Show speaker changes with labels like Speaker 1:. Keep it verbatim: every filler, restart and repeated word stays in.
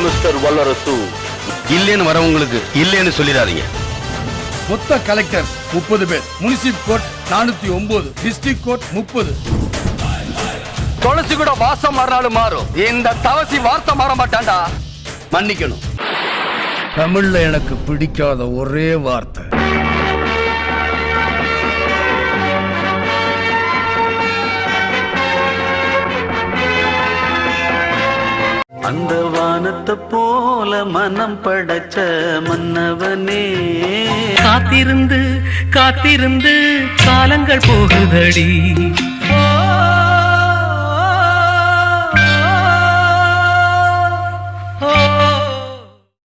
Speaker 1: Mister வல்லரசு.
Speaker 2: இல்லேன்னு வரவங்களுக்கு இல்லேன்னு சொல்லிடாதீங்க.
Speaker 3: மொத்த கலெக்டர் முப்பது பேர், முனிசிப் கோர்ட் நானூத்தி ஒன்பது, டிஸ்ட்ரிக்ட் கோர்ட் முப்பது.
Speaker 2: துளசி கூட வாசம் மாறினாலும் மாறும், இந்த தவசி வார்த்தை மாற மாட்டான்டா. மன்னிக்கணும்.
Speaker 3: தமிழ்ல எனக்கு பிடிக்காத ஒரே வார்த்தை
Speaker 4: அந்த வானத்தை போல மனம் படைச்ச மன்னவனே,
Speaker 5: காத்திருந்து காத்திருந்து காலங்கள் போகுதடி.